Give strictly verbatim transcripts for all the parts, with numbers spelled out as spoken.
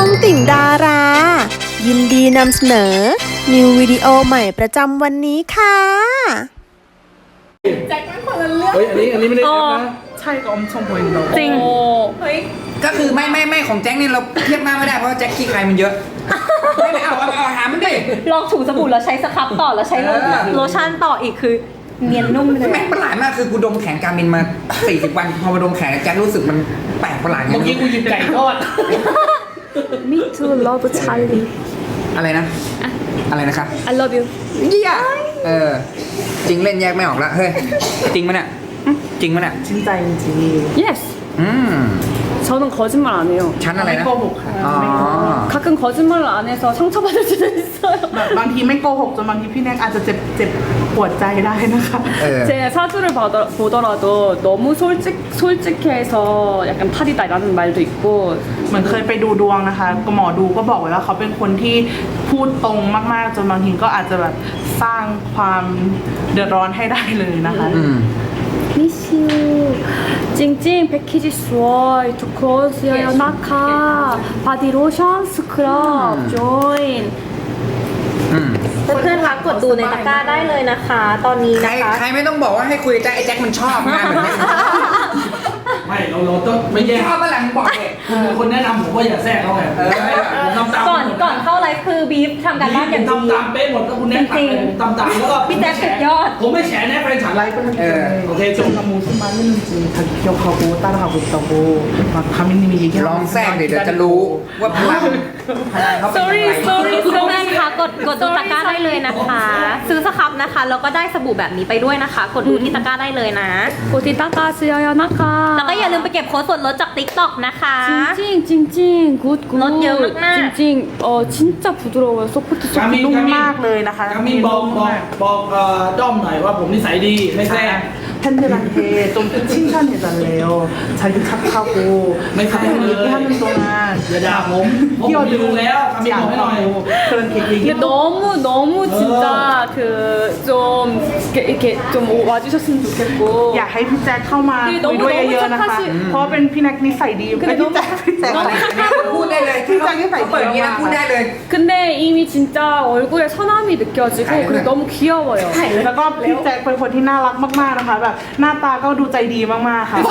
องติ่งดารา ยินดีนำเสนอ นิววิดีโอใหม่ประจำวันนี้ค่ะแจ็คเป็นคนละเรื่องเฮ้ยอันนี้อันนี้ไม่ได้แอปนะใช่ก็อมชมพูอินโดจริงเฮ้ยก็คือไม่ไม่ไม่ของแจ็คนี่เราเทียบหน้าไม่ได้เพราะว่าแจ็คขี้ใครมันเยอะไม่ไม่เอาเอาเอาหามันดิลองถูสบู่แล้วใช้สครับต่อแล้วใช้โลเออโลชั่นต่ออีกคือเนียนนุ่มเลยแม่งประหลาดมากคือกูดมแขนการมินมาสี่สิบวันพอมาดมแขนแจ็ครู้สึกมันแปลกประหลาดเมื่อกี้กูหยิบไก่ทอด Me too love Charlie อะไรนะ อะไรนะคะ I love you เยี่ยเออจริงเล่นแยกไม่ออกละเฮ้ยจริงมั้ยเนี่ยจริงมั้ยเนี่ยจริงใจจริง Yes อืม 저는 거짓말 안 해요 ชั้นอะไรไม่นะโกหกค่ะอ๋อไม่โกหก 가끔 거짓말을 안 해서 상처받을 수도 있어요 แบบบางทีไม่โกหกจนบางทีพี่แน็กอาจจะเจ็บเจ็บปวดใจได้นะคะเออ 제 사주를 보더- 보더라도 너무 솔직, 솔직해서 약간 탈이다 라는 말도 있고 เหมือนเคยไปดูดวงนะคะก็หมอดูก็บอกไว้ว่าเขาเป็นคนที่พูดตรงมากๆจนบางทีก็อาจจะแบบสร้างความเดือดร้อนให้ได้เลยนะคะอืม Miss you 찡찡 패키지 수월 두코스여요 나카 바디로션 스크럽 조인 อืมเพื่อนๆคะกดดูในตะกร้าได้เลยนะคะ ตอนนี้ใครนะคะใครไม่ต้องบอกว่าให้คุยกับแจ็คไอ้แจ็คมันชอบงานแบบนี้ไม่เราเราต้องไม่แย่ชอบเมื่อไหร่มึงบอกเลยคุณเป็นคนแนะนำผมว่าอย่าแทรกเขาไงเออผมทำตามก่อนก่อนเข้าไลฟ์คือบีฟทำการบ้านอย่างผมดีทำตามเป๊ะหมดแล้วคุณแนะนำอะไรผมทำตามแล้วก็พี่แจ๊คสุดยอดผมไม่แฉแน่แฟนฉันไลฟ์เออโอเคจบ 가 무슨 말 했는지 자기 기억하고 따라하고 있다고 막 가민님이 ล 얘기하고 องแทรกดิเดี๋ยวจะรู้ว่าพลังพลังเขาเป็น sorry ยังไง sorry เพื่อนๆคะกดกดดูตะกร้าได้เลยนะคะ ซื้อสครับนะคะแล้วก็ได้สบู่แบบนี้ไปด้วยนะคะ กดดูที่ตะกร้าได้เลยนะกดที่ตะกร้าซื้อยนะคะแล้วก็อย่าลืมไปเก็บโค้ดส่วนลดจาก TikTok นะคะ 찡찡 찡찡 굿굿 넛 여우 막 찡찡 어 진짜 부드러워요 소프트 กามินนุ่มกามินมากเลยนะคะกามินบอกบอกบอกเอ่อด้อมหน่อยว่าผมนิสัยดีไม่แทรก 팬들한테 좀 칭찬해달래요. 자기 착하고 매 가끔 사람을 얘기하는 동안 อย่าด่าผมผมดูแล้วกามินบอกให้หน่อย 않다고 그렇게 근데 얘기. 너무 너무 진짜 그 좀 이렇게, 이렇게 좀 와주셨으면 좋겠고 อยากให้พี่แจ็คเข้ามาคือคุยด้วยเยอะๆนะคะน้องๆเพราะว่าเป็นพี่แน็กนิสัยดีคือเป็นน้อพี่งแจ็คพี่แจ็คพูดได้เลยพี่แจ็คนิสัยเปิดอย่างนี้ดีนะมากพูดได้เลย 근데 이미 진짜 얼굴에 선함이 느껴지고 그리고 너무 귀여워요 แล้วก็พี่แจ็คเป็นคนที่น่ารักมากๆนะคะแบบหน้าตาก็ดูใจดีมากๆค่ะ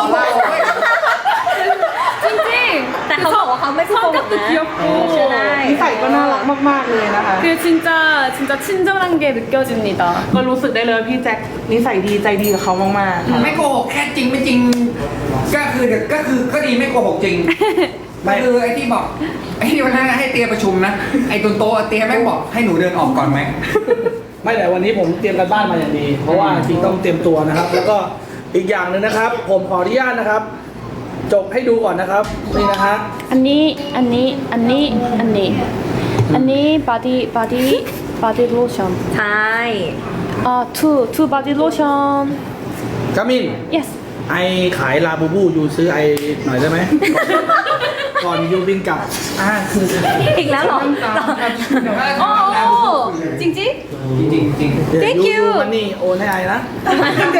찡찡 แต่เขาบอกว่าเขาไม่พูดโกหก 성격도 นะ 귀엽고 ใช่นิสัยก็น่ารักมากๆเลยนะคะ 그 진짜 진짜 친절한 게 느껴집니다 ก็รู้สึกได้เลยว่าพี่แจ็คนิสัยดีใจดีกับเขามากๆค่ะไม่โกหกแค่จริงไม่จริง ก็คือก็คือก็ดีไม่โกหกจริงก็คือไอ้ที่บอกไอ้ที่วันนั้นให้เตียประชุมนะไอ้ตุนโตะเตียแม่งบอกให้หนูเดินออกก่อนไหมไม่แต่วันนี้ผมเตรียมกันบ้านมาอย่างดี เพราะว่าจริงต้องเตรียมตัวนะครับ แล้วก็อีกอย่างหนึ่งนะครับ ผมขออนุญาตนะครับ จบให้ดูก่อนนะครับนี่นะฮะ 언니 언니 언니 언니 언니 바디 바디 바디 로션 ใช่ 아투투 바디 로션 กามิน yes ไอขายลาบูบูยูซื้อไอหน่อยได้ไหม ก่อนยูบินกลับอ่าคืออีกแล้วเหรอ 어 찡찡 จริงจริงจริง Thank you มันนี่โอนให้ไอนะ 아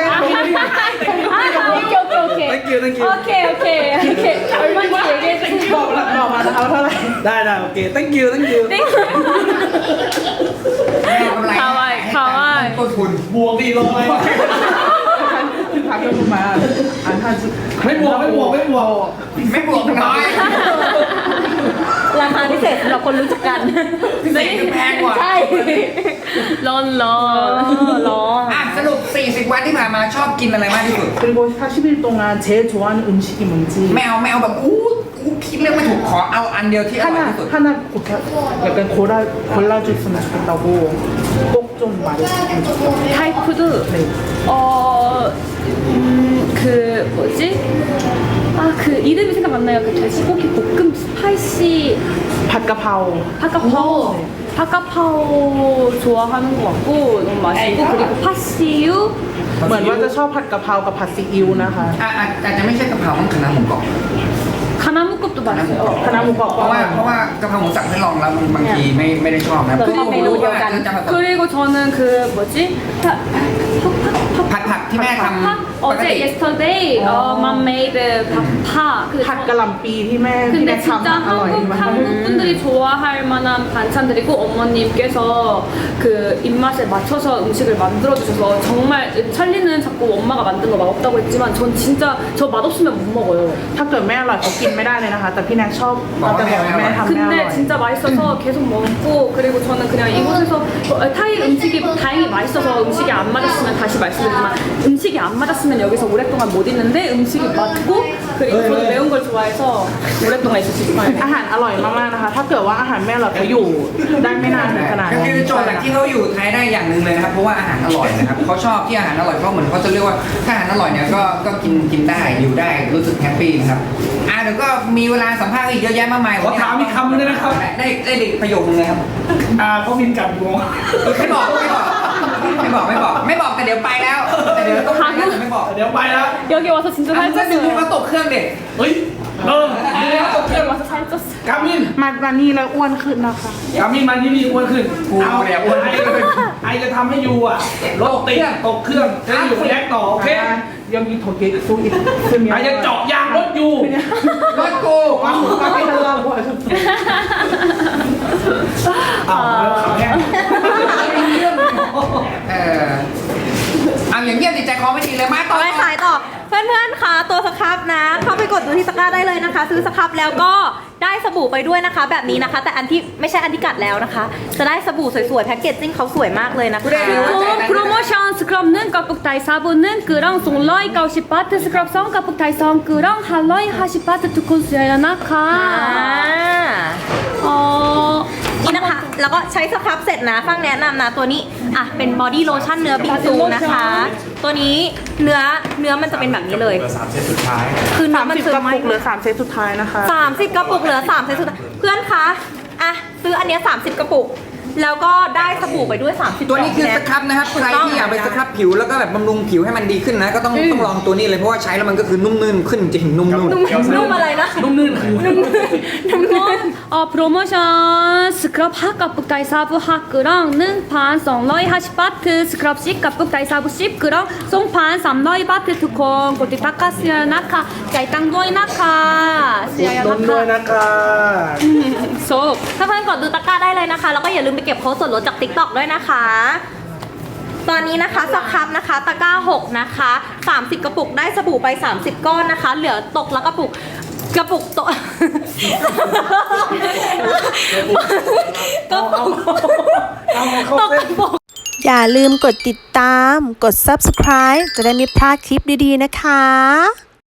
오케이 오케이 thank you thank you 오케이 오케이 오케이 얼마인지 얘기해 주세요 บอกแล้วบอกมานะคะว่าเท่าไหร่ได้ได้โอเค thank you thank you ไม่เอากำไรคาวายคาวายต้นทุนบวกดีร้อยคือพักกันมาอ่าถ้าจะไม่บวกไม่บวกไม่บวกไม่บวกน้อยราคาพิเศษสำหรับคนรู้จักกันพิเศษคือแพงกว่าใช่ 런런 런 อ่ะสรุปสี่สิบวันที่ผ่านมาชอบกินอะไรมากที่สุด 그리고 사십 일 동안 제일 좋아하는 음식이 뭔지 ไม่เอาไม่เอาแบบอู้อู้คิดเรื่องไม่ถูกขอเอาอันเดียวที่อร่อย 하나 ที่สุด 하나 곱하, 약간 골라 골라줬으면 좋겠다고 꼭 좀 말해주면 좋겠다고. 타이푸드 네. 어음그 뭐지 아 그 이름이 생각 안 나요 그 돼지고기 볶음 스파이시 밭가파오. 핫가파오 핫가파오 좋아하는 것 같고 너무 맛있고 그리고 파시유 เหมือนว่าจะชอบผัดกะเพรากับผัดซีอิ๊วนะคะอ่ะอ่ะอาจจะไม่ใช่กะเพราต้องคณะหมูกรอบ 가나무급도 맛있어요 คณะหมูกรอบเพราะว่าเพราะว่ากะเพราหมูสับให้ลองแล้วบางทีไม่ไม่ได้ชอบนะเราชอบเมนูเดียวกันจะแบบ 그리고 저는 그 뭐지 파, 파, ผัดผักที่แม่ทำ 파, ปก 어제 ติ yesterday 어, mom made 파. 그 ผัดกะหล่ำปีที่แม่ที่ 근데 แม่ 진짜 ทำอร่อย 한국 มาก 한국 분들이 좋아할 만한 반찬들이고 어머님께서 그 입맛에 맞춰서 음식을 만들어 주셔서 정말 찰리는 자꾸 엄마가 만든 거 맛없다고 했지만 전 진짜 저 맛없으면 못 먹어요. ถ้าเกิดไม่อร่อยเขากินไม่ได้เลยนะคะ แต่พี่แน็กชอบเราจะบอกว่าแม่ทำไม่อร่อย 근데 진짜 맛있어서 계속 먹고 그리고 저는 그냥 이곳에서 어, 타이 음식이 다행히 맛있어서 음식이 안 맞았으면 다시 말씀드리지만 음식이 안 맞았으면 여기서 오랫동안 못 있는데 음식이 맞고 그리고 저도 매운 걸 좋아해서 오랫동안 있을 수 있어요. อาหารอร่อยมากๆนะคะ ถ้าเกิดว่าอาหารไม่อร่อยเขาอยู่ได้ไม่นานถึงขนาดก็นั้นคือโจทย์หลักที่เขาอยู่ไทยได้อย่างหนึ่งเลยนะครับเพราะว่าอาหารอร่อยนะครับเขาชอบที่อาหารอร่อยเพราะเหมือนเขาจะเรียกว่าถ้าอาหารอร่อยเนี่ยก็ก็กินกินได้อยู่ได้รู้สึกแฮปปี้นะครับอ่าเดี๋ยวก็มีเวลาสัมภาษณ์อีกเยอะแยะมากมายขอถามอีกคำหนึงได้ไหมครับได้ได้เด็กประโยคนึงเลยครับอ่าเขาบินกลับอยู่ไม่บอกไม่บอกไม่บอกไม่บอกไม่บอกแต่เดี๋ยวไปแล้วแต่เดี๋ยวต้องไปแล้วแต่ไม่บอกเดี๋ยวไปแล้ว 여기 와서 진짜 อ่ะก็ดูว่า 살쪘어요. ตกเครื่องเด็กเฮ้ยเออ 여기 와서 살쪘어요. กามินมามานี่แล้วอ้วนขึ้นนะคะกามินมาที่นี่อ้วนขึ้นกูเอาเนี่ยอ้วนไอไอจะทำให้ยูอ่ะรถติดตกเครื่องจะได้อยู่แยกต่อโอเคยังมีโทเกะสู้อีกขึ้นไอจะเจาะยางรถยูรถกูความหมูก็ไม่ทันเราบ่อยอ้าวแล้วขาวแห้งเออเอาอย่างเงียบติดใจคอไม่ดีเลยมาต่อไปขายต่อ เพื่อนๆคะตัวสครับนะ เข้าไปกดดูที่ตะกร้าได้เลยนะคะ ซื้อสครับแล้วก็ได้สบู่ไปด้วยนะคะ แบบนี้นะคะ แต่อันที่ไม่ใช่อันที่กัดแล้วนะคะ จะได้สบู่สวยๆแพ็กเกจจิ้งเขาสวยมากเลยนะคะ 그리고 프로모션 스크럽는 까북다이 사부는 그랑 송러이 가오시 바트 스크럽 성 까북다이 성 그랑 할러이 하시 바트 투콘 수야야 อ่า 나카. 어 นี่นะคะ แล้วก็ใช้สครับเสร็จนะ ฟังแนะนำนะตัวนี้อ่ะเป็นบอดี้โลชั่นเนื้อบิงซูนะคะ ตัวนี้เนื้อเนื้อมันจะเป็นแบบนี้เลยสามเซตสุดท้ายคือเนื้สาอมมันสิบซึกมระไม่ปุกเหลือสามเซตสุดท้ายนะคะสามสิบกระปุกเหลือสามเซตสุดท้ายเพื่อนคะอ่ะซื้ออันเนี้ยสามสิบกระปุก แล้วก็ได้สบู่ไปด้วยสามสิบตัวนี้คือสครับนะครับใครที่อยากไปสครับผิวแล้วก็แบบบำรุงผิวให้มันดีขึ้นนะ ก็ต้องต้องลองตัวนี้เลยเพราะว่าใช้แล้วมันก็คือนุ่มนื่นขึ้นจริงนุ่มนุ่มนุ่มอะไรนะนุ่มนื่นคือ 어, 프로모션 스크럽 핫 까북다이 사부 핫그랑 능판 송러이 하시 바트 스크럽 십 까북다이 사부 십 그랑 송판 삼러이 바트 투콘 고티 타카스야 나카 짜이땅 도이 나카 อุด 스야야 หนุนด้วย 나카 นะคะ 쏙 ถ้าเพื่อนกดดูตะกร้าได้เลยนะคะ แล้วก็อย่าลืมไปเก็บโค้ดส่วนลดจาก ติ๊กต็อก ด้วยนะคะ ตอนนี้นะคะสครับนะคะตะกร้าหกนะคะสามสิบกระปุกได้สบู่ไปสามสิบก้อนนะคะ เหลือตกแล้วกระปุกกระปุกโตะกระปุกเอาเข้าตกเส้กนระปุกอย่าลืมกดติดตาม กด ซับสไครบ์ จะได้ไม่พลาดคลิปดีๆนะคะ